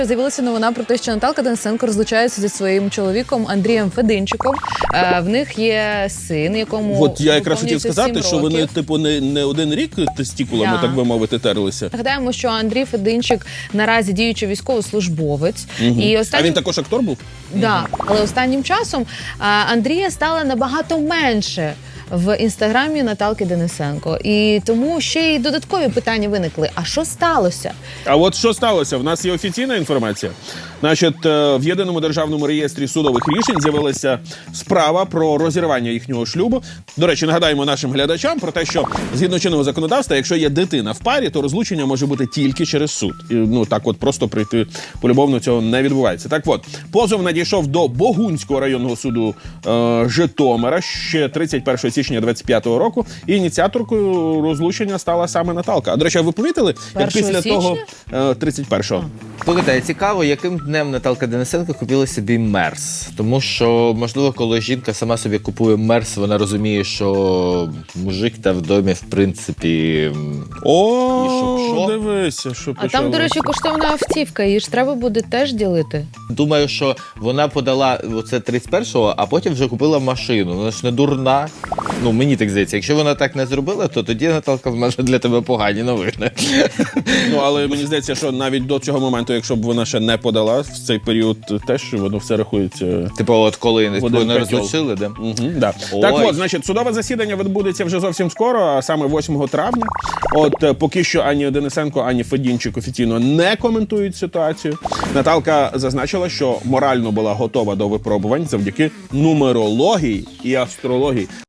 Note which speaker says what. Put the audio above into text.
Speaker 1: З'явилася новина про те, що Наталка Денисенко розлучається зі своїм чоловіком Андрієм Фединчиком. В них є син, якому
Speaker 2: От я якраз хотів
Speaker 1: виповнюється
Speaker 2: сказати,
Speaker 1: 7
Speaker 2: що вони,
Speaker 1: років.
Speaker 2: типу, не один рік тестікулами, так би мовити, терлися.
Speaker 1: Нагадаємо, що Андрій Фединчик наразі діючий військовослужбовець. І
Speaker 2: А він також актор був?
Speaker 1: Да, але останнім часом Андрія стало набагато менше в інстаграмі Наталки Денисенко. І тому ще й додаткові питання виникли. А що сталося?
Speaker 2: А от що сталося? В нас є офіційна інформація. Значить, в Єдиному державному реєстрі судових рішень з'явилася справа про розірвання їхнього шлюбу. До речі, нагадаємо нашим глядачам про те, що згідно чинного законодавства, якщо є дитина в парі, то розлучення може бути тільки через суд. І, ну, так от просто прийти полюбовно цього не відбувається. Так от, позов надійшов до Богунського районного суду Житомира ще 31 січня 25-го року. І ініціаторкою розлучення стала саме Наталка. А, до речі, ви помітили, як після того 31-го?
Speaker 3: Слухайте, цікаво, яким днем Наталка Денисенко купила собі Мерс. Тому що, можливо, коли жінка сама собі купує Мерс, вона розуміє, що мужик та в домі, в принципі,
Speaker 2: О, дивися, що
Speaker 1: А там, до речі, коштовна автівка, її ж треба буде теж ділити.
Speaker 3: думаю, що вона подала оце 31-го, а потім вже купила машину. Вона ж не дурна. Ну, мені так здається. Якщо вона так не зробила, то тоді, Наталка, в мене для тебе погані новини.
Speaker 2: Ну, але мені здається, що навіть до цього моменту, якщо б вона ще не подала, в цей період теж воно все рахується.
Speaker 3: Типу, от коли
Speaker 2: один
Speaker 3: не
Speaker 2: котел.
Speaker 3: розлучили, де?
Speaker 2: Да.
Speaker 3: Ой.
Speaker 2: Так от, значить, судове засідання відбудеться вже зовсім скоро, а саме 8 травня. От поки що ані Денисенко, ані Федінчик офіційно не коментують ситуацію. Наталка зазначила, що морально була готова до випробувань завдяки нумерології і астрології.